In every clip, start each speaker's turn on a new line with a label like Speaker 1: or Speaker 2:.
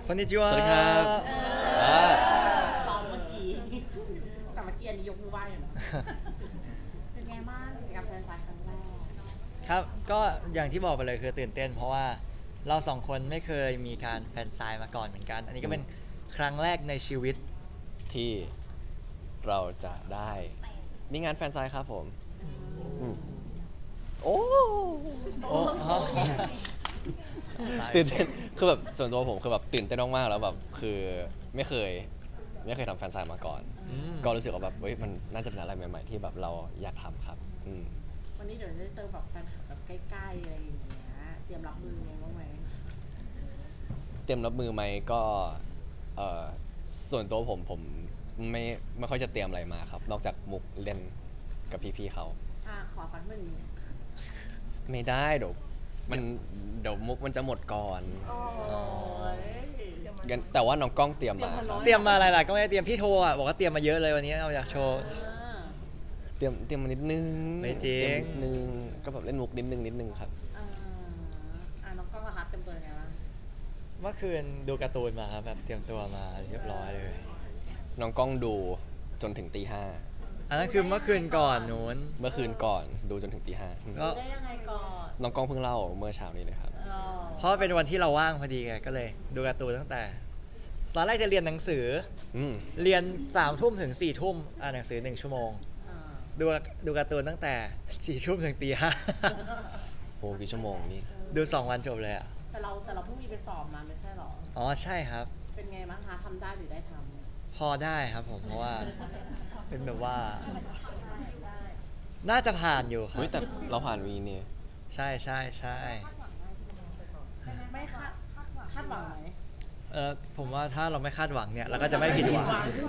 Speaker 1: こんにちは
Speaker 2: สวัสดีครับอ่า
Speaker 3: ซ้อมเมื่อกี้แต่เมื่อกี้อันนี้ยกมือไหว้อยู่นะเป็นไงบ้างกิจกรรมแฟนซายครั้งแรก
Speaker 1: ครับก็อย่างที่บอกไปเลยคือตื่นเต้นเพราะว่าเราสองคนไม่เคยมีการแฟนไซน์มาก่อนเหมือนกัน อันนี้ก็เป็นครั้งแรกในชีวิต
Speaker 2: ที่เราจะได้มีงานแฟนไซน์ครับผมอืมโอ้
Speaker 1: โอ้ฮะ
Speaker 2: ตื่นเต้นคือแบบส่วนตัวผมคือแบบตื่นเต้นมากๆแล้วแบบคือไม่เคยทำแฟนไซน์มาก่อน
Speaker 1: อืม
Speaker 2: ก็รู้สึกว่าแบบเฮ้ยมันน่าจะเป็นอะไรใหม่ๆที่แบบเราอยากทำครับ
Speaker 3: วันนี้เดี๋ยวจะได้เจอแบบแฟนคลับแบบใกล้ๆอะไรอย่างเงี้ยเตรียมรับมือยังไงบ้างไหม
Speaker 2: เตรียมรับมือไหมก็เอ่อส่วนตัวผมไม่ค่อยจะเตรียมอะไรมาครับ นอกจากมุกเล่นกับพี่ๆเขา
Speaker 3: ขอสักหนึ่ง
Speaker 2: ไม่ได้เดี๋ยวมุกมันจะหมดก่อน
Speaker 3: โอ้ย
Speaker 2: งั้นแต่ว่าน้องกล้องเตรียมมาครับ
Speaker 1: เตรียมมาอะไรล่ะก็ไม่ได้เตรียมพี่โทรอ่ะบอกว่าเตรียมมาเยอะเลยวันนี้เอาอยากโชว์
Speaker 2: เตรียมมานิดนึง
Speaker 1: ไม่จริง
Speaker 2: เตยมนิดนึงก็แบบเล่นมุกนิดนึงครับ
Speaker 3: น้องกล้องนะคะเต็มตัวยังไงบ้าง
Speaker 1: เมื่อคืนดูการ์ตูนมาครับแบบเตรียมตัวมาเรียบร้อยเลย
Speaker 2: น้องกล้องดูจนถึงตีห้า
Speaker 1: อันนั้นคือเมื่อคืนก่อนนู้น
Speaker 2: เมื่อคืนก่อนดูจนถึงตีห้า
Speaker 1: ก็
Speaker 3: ได้ยังไงก่อน
Speaker 2: น้องกล้องเพิ่งเล่าเมื่อเช้านี้เลยครับ
Speaker 1: เพราะเป็นวันที่เราว่างพอดีไงก็เลยดูการ์ตูนตั้งแต่ ตอนแรกจะเรียนหนังสือ
Speaker 2: อืม
Speaker 1: เรียน3 ทุ่มถึง4 ทุ่มอ่านหนังสือ1 ชั่วโมง
Speaker 3: อ่า
Speaker 1: ดูการ์ตูนตั้งแต่4 ทุ่มถึงตี 5
Speaker 2: โอ้กี่ชั่วโมงนี่
Speaker 1: ดู2 วันจบเลยอ่ะ
Speaker 3: แต่เราเพิ่งมีไปสอบมาไม่ใช่หรอ
Speaker 1: อ๋อใช่ครับ
Speaker 3: เป็นไงบ้างคะทำได้หรือได้ท
Speaker 1: พอได้ครับผมเพราะว่าเป็นแบบว่า น่าจะผ่านอยู่ครั
Speaker 2: เฮ้ย
Speaker 1: บ
Speaker 2: แต่เราผ่านวีนี่
Speaker 1: ใช่ใช่ใช่
Speaker 3: ำไม่คาดหวังไหม
Speaker 1: ผมว่าถ้าเราไม่คาดหวังเนี่ยเราก็จะไม่ผิดหวัง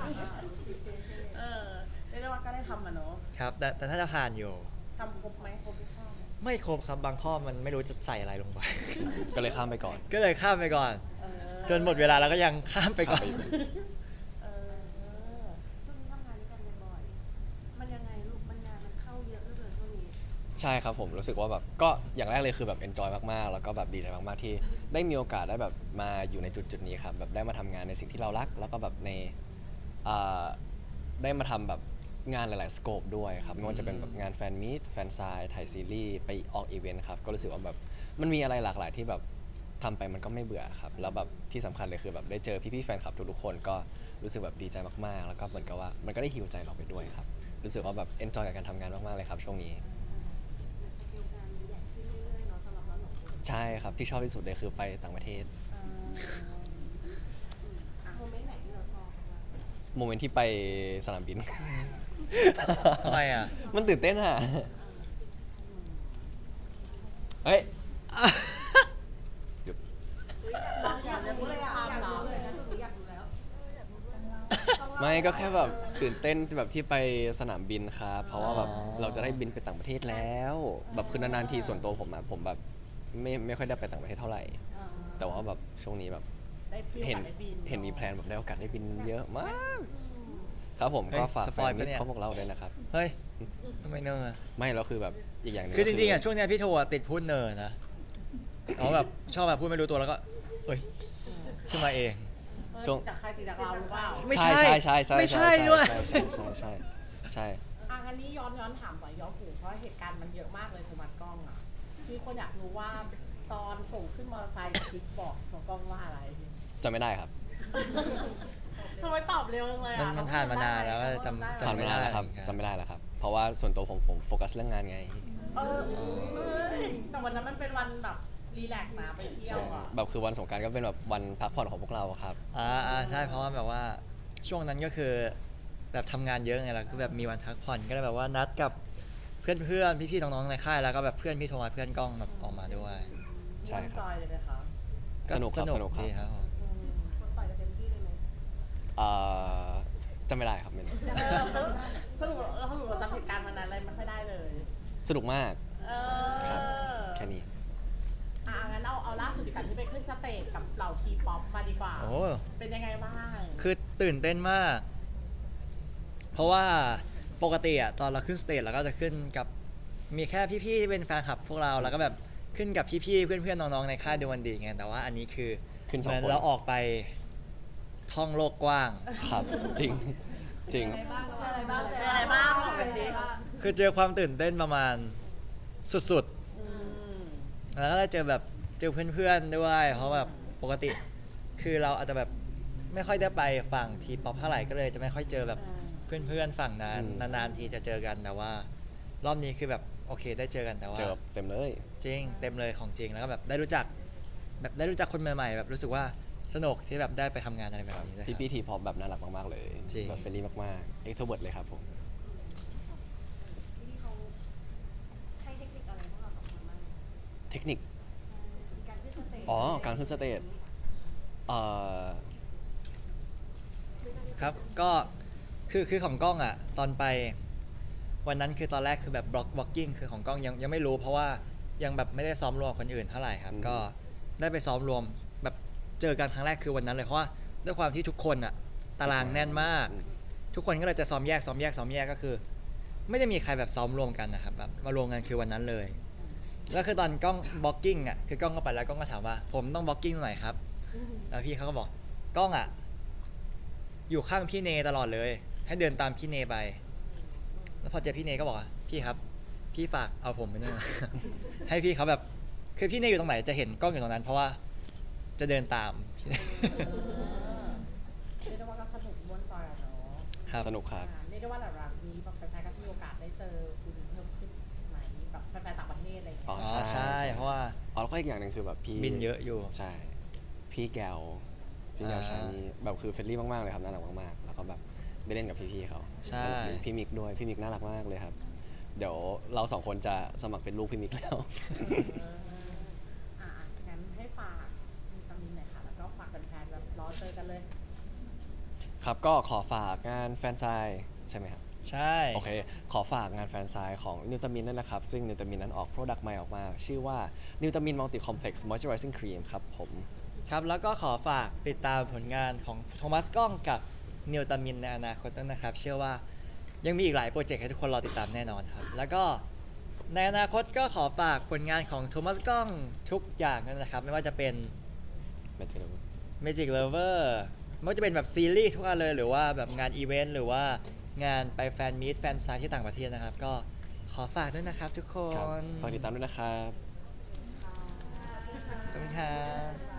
Speaker 3: เรียกได้ว่าก็ได้ทำอ่ะเนาะ
Speaker 1: ครับแต่ถ้าจะผ่านอยู่
Speaker 3: ทำครบไหมครบทุกข้อไหม
Speaker 1: ไม่ครบครับบางข้อมันไม่รู้จะใส่อะไรลงไป
Speaker 2: ก็เลยข้ามไปก่อน
Speaker 1: ก็เลยข้ามไปก่อน
Speaker 3: เออ
Speaker 1: จนหมดเวลาแล้วก็ยังข้ามไปก่อน
Speaker 2: ข้ามไป
Speaker 3: เออช่วงนี้ทำงานด้วยกันบ่อยๆมันยังไงลูกมันงานมันเข้าเยอะเหลือเกินช่วงนี้
Speaker 2: ใช่ครับผมรู้สึกว่าแบบก็อย่างแรกเลยคือแบบ enjoy มากๆ แล้วก็แบบดีใจมากๆที่ได้มีโอกาสได้แบบมาอยู่ในจุดนี้ครับแบบได้มาทำงานในสิ่งที่เรารัก แล้วก็แบบในอ่าได้มาทำแบบงานหลายๆสโคปด้วยครับไม่ว่าจะเป็นแบบงานแฟนมีตแฟนไซน์ถ่ายซีรีส์ไปออกอีเวนต์ครับก็รู้สึกว่าแบบมันมีอะไรหลากหลายที่แบบทำไปมันก็ไม่เบื่อครับแล้วแบบที่สำคัญเลยคือแบบได้เจอพี่ๆแฟนคลับทุกๆคนก็รู้สึกแบบดีใจมากๆ แล้วก็เหมือนกับว่ามันก็ได้ฮีลใจเราไปด้วยครับรู้สึกว่าแบบ enjoy กับการทำงานมากๆเลยครับช่วงนี้
Speaker 3: สกิลงานใหญ่ขึ้นเรื่อยๆเนาะสำหรับเราสองคน
Speaker 2: ใช่ครับที่ชอบที่สุดเลยคือไปต่างประเทศ
Speaker 3: โมเมนต์ไหนที่เราชอบบ้าง
Speaker 2: โมเมนต์ที่ไปสนามบิน
Speaker 1: ทำไมอ่ะ
Speaker 2: มันตื่นเต้นอะเฮ้ยเดี๋ยว
Speaker 3: อยากรู้เลยอ่ะอยากรู้เลยนะจุดนี้อยากรู้แล้ว
Speaker 2: ไม่ก็แค่แบบตื่นเต้นแบบที่ไปสนามบินครับเพราะว่าแบบ
Speaker 1: อ๋อ
Speaker 2: เราจะได้บินไปต่างประเทศแล้วแบบคือนานๆทีส่วนตัวผมอะผมแบบไม่ค่อยได้ไปต่างประเทศเท่าไหร่ แต่ว่าแบบช่วงนี้แบบ
Speaker 3: ได้ฟิล
Speaker 2: เห็น
Speaker 3: ได้บิน
Speaker 2: เห็นมีแพลนแบบได้โอกาสได้บินเยอะมาก ครับผม
Speaker 1: เฮ้ย
Speaker 2: ก็ฝาก
Speaker 1: ส
Speaker 2: แฟ
Speaker 1: ปอย
Speaker 2: น
Speaker 1: ล์
Speaker 2: มิ
Speaker 1: ปะ
Speaker 2: ต
Speaker 1: เนี่ย
Speaker 2: ของพวกเราด้วยนะครับ
Speaker 1: เฮ้ยทำไมเนอะ
Speaker 2: ไม่แล้วคือแบบอีกอย่างหนึง
Speaker 1: คือจริงๆอ่ะ
Speaker 2: ก็
Speaker 1: ช่วงเนี้ยพี่โทอ่ะติดพูดเนอนะเขาแบบชอบแบบพูดไม่รู้ตัวแล้วก็เอ้ยขึ้นมาเอง
Speaker 2: ช่วง
Speaker 3: จากใครติดจากเราหรือเปล่า
Speaker 1: ไม่ใช่
Speaker 2: ใช่
Speaker 1: ไม่ใช่ด้วย
Speaker 2: ใช่
Speaker 3: งั้นนี้ย้อนถามหน่อยย้อนถึงเพราะเหตุการณ์มันเยอะมากเลยคุณมัดกล้องอ่ะมีคนอยากรู้ว่าตอนส่งขึ้นมอเตอร์ไซค์คลิปบอกของกล้องว่าอะไร
Speaker 2: จำไม่ได้ครับ
Speaker 3: ทำไมตอบเร็วจังเลยอ่ะ
Speaker 1: มันผ่านมานานแล้วจำ
Speaker 2: ผ่านไม่ได้แล้วครับจำไม่ได้แล้วครับ เพราะว่าส่วนตัวผมโฟกัสเรื่องงานไง
Speaker 3: แต่วันนั้นมันเป็นวันแบบรีแลกซ์นะไปเที่ยวอ่ะ
Speaker 2: แบบคือวันสงกรานต์ก็เป็นแบบวันพักผ่อนของพวกเราครับ
Speaker 1: ใช่เพราะว่าแบบว่าช่วงนั้นก็คือแบบทำงานเยอะไงแล้วก็แบบมีวันพักผ่อนก็เลยแบบว่านัดกับเพื่อนๆพี่ๆน้องๆในค่ายแล้วก็แบบเพื่อนพี่โทมัสเพื่อนกล้องแบบออกมาด้วย
Speaker 2: ใช่ครับ
Speaker 3: จอยเลยไหมคะ
Speaker 2: สนุกครับสนุกครับ
Speaker 1: ดีครับผม
Speaker 3: คนต่อยกันเต็มที่เลยไหม
Speaker 2: เอ่อจำไม่ได้ครับเมน
Speaker 3: สรุปเราจำเหตุการณ์วันนั้นอะไรไม่ค่อยได้เลย
Speaker 2: สนุกมาก
Speaker 3: เอ
Speaker 2: ครับ
Speaker 3: อ
Speaker 2: แค่นี้
Speaker 3: งั้นเอาล่าสุดดีกว่าที่ไปขึ้นสเตจกับเหล่าทีป๊อปมาดีกว่า
Speaker 1: โอ้
Speaker 3: เป็นยังไงบ้าง
Speaker 1: คือตื่นเต้นมาก เพราะว่าปกติอะตอนเราขึ้นสเตจเราก็จะขึ้นกับมีแค่พี่ๆที่เป็นแฟนคลับพวกเราแล้วก็แบบขึ้นกับพี่ๆเพื่อนๆน้องๆในค่ายดูวันดีไงแต่ว่าอันนี้คือ
Speaker 2: ขึ้นส
Speaker 1: เห
Speaker 2: อง
Speaker 1: มือน
Speaker 2: คน
Speaker 1: เราออกไปท่องโลกกว้าง
Speaker 2: ครับ จริงจริง
Speaker 4: เจออะไรบ้าง
Speaker 3: เจออะไรบ้างบอกไปสิ
Speaker 1: คือเจอความตื่นเต้นประมาณสุด
Speaker 3: อืม
Speaker 1: ๆ แล้วก็ได้เจอแบบเจอเพื่อนๆด้วย เพราะแบบปกติ คือเราอาจจะแบบไม่ค่อยได้ไปฝั่งทีป๊อปเท่าไหร่ก็เลยจะไม่ค่อยเจอแบบเพื่อนๆฝั่งนั้น
Speaker 2: อืม
Speaker 1: นานๆทีจะเจอกันแต่ว่า รอบนี้คือแบบโอเคได้เจอกันแต่ว่า
Speaker 2: เจอเต็มเลย
Speaker 1: จริงเต็มเลยของจริงแล้วก็แบบได้รู้จักคนใหม่ๆแบบรู้สึกว่าสนุกที่แบบได้ไปทำงานอะไรแบบนี้ด้วยครับ
Speaker 2: พี่ทีพอปแบบน่ารักมากๆเลย
Speaker 1: จริง
Speaker 2: แบบเฟรนลี่มากๆเอ็กโทรเวิร์ดเลยครับผม
Speaker 4: ที่เขาให้เทคนิคอะไรพวกเราสองคนบ้าง
Speaker 2: เทคนิค
Speaker 4: การขึ้นสเตจ
Speaker 2: อ๋อการขึ้นสเตจเอ่อ
Speaker 1: ครับก็คือของกล้องอ่ะตอนไปวันนั้นคือตอนแรกคือแบบบล็อกกิ้งคือของกล้องยังไม่รู้เพราะว่ายังแบบไม่ได้ซ้อมรวมคนอื่นเท่าไหร่ครับก็ได้ไปซ้อมรวมแบบเจอกันครั้งแรกคือวันนั้นเลยเพราะว่าด้วยความที่ทุกคนอ่ะตารางแน่นมาก ทุกคนก็เลยจะซ้อมแยกก็คือ ไม่ได้มีใครแบบซ้อมรวมกันนะครับแบบมารวมกันคือวันนั้นเลยแล้วคือตอนกล้องบล็อกกิ้งอ่ะคือกล้องก็ไปแล้วกล้องก็ถามว่าผมต้องบล็อกกิ้งตรงไหนครับแล้วพี่เขาก็บอกกล้องอ่ะอยู่ข้างพี่เนตลอดเลย ให้เดินตามพี่เนไป แล้วพอเจอพี่เนก็บอกว่าพี่ครับ พี่ฝากเอาผมไปด้วยนะ ให้พี่เขาแบบคือพี่เนอยู่ตรงไหนจะเห็นกล้องอยู่ตรงนั้น เพราะว่าจะเดินตามพี่เน
Speaker 3: เรียกได้ว่าก็สนุกม่วนจอยอะเนาะ
Speaker 1: ครับ
Speaker 2: สนุกครับ
Speaker 3: เรียกได้ว่าหลังๆนี้แบบแฟนๆก็มีโอกาสได้เจอคุณเพิ่มขึ้นใช่ไหมแบบแฟนๆต่างประเทศอะไรอย่างเงี้ย
Speaker 2: อ๋อ
Speaker 1: อ๋อใช่เพราะว่า
Speaker 2: อ๋อแล้วก็อีกอย่างหนึ่งคือแบบพี่
Speaker 1: บินเยอะอยู่
Speaker 2: ใช่ พี่แกวชานี่แบบคือเฟรนลี่มากๆเลยครับน่ารักมากๆแล้วก็แบบได้เล่นกับพี่ๆเขา
Speaker 1: ใช่
Speaker 2: สนุกดีพี่มิกด้วยพี่มิกน่ารักมากเลยครับ เดี๋ยวเราสองคนจะสมัครเป็นลูกพี่มิกแล้ว
Speaker 3: งั้นให้ฝากมีตำมินหน่อยค่ะ แล้วก็ฝากแฟนๆแบบรอเจอกันเลย
Speaker 2: ครับก็ขอฝากงานแฟนไซน์ใช่ไหมครับ
Speaker 1: ใช่
Speaker 2: โอเค ขอฝากงานแฟนไซน์ของนิวตามินนั่นนะครับ ซึ่งนิวตามินนั้นออกโปรดักต์ใหม่ออกมา ชื่อว่านิวตามินมัลติคอมเพล็กซ์มอยเจอไรซิ่งครีมครับผม
Speaker 1: ครับแล้วก็ขอฝากติดตามผลงานของโทมัสกล้องกับนิวตามินในอนาคตด้วยนะครับ เชื่อว่ายังมีอีกหลายโปรเจกต์ให้ทุกคนรอติดตามแน่นอนครับ แล้วก็ในอนาคตก็ขอฝากผลงานของโทมัสกล้องทุกอย่างนั่นนะครับ ไม่ว่าจะเป็น
Speaker 2: ไม่เจอ
Speaker 1: Magic Lover ไม่ว่าจะเป็นแบบซีรีส์ทุกอันเลย หรือว่าแบบงานอีเวนต์หรือว่างานไปแฟนมีตแฟนไซต์ที่ต่างประเทศนะครับ ก็ขอฝากด้วยนะครับทุกค
Speaker 2: ครับ
Speaker 1: น
Speaker 2: ฝากติดตามด้วยนะครับ
Speaker 1: ขอบคุณครับ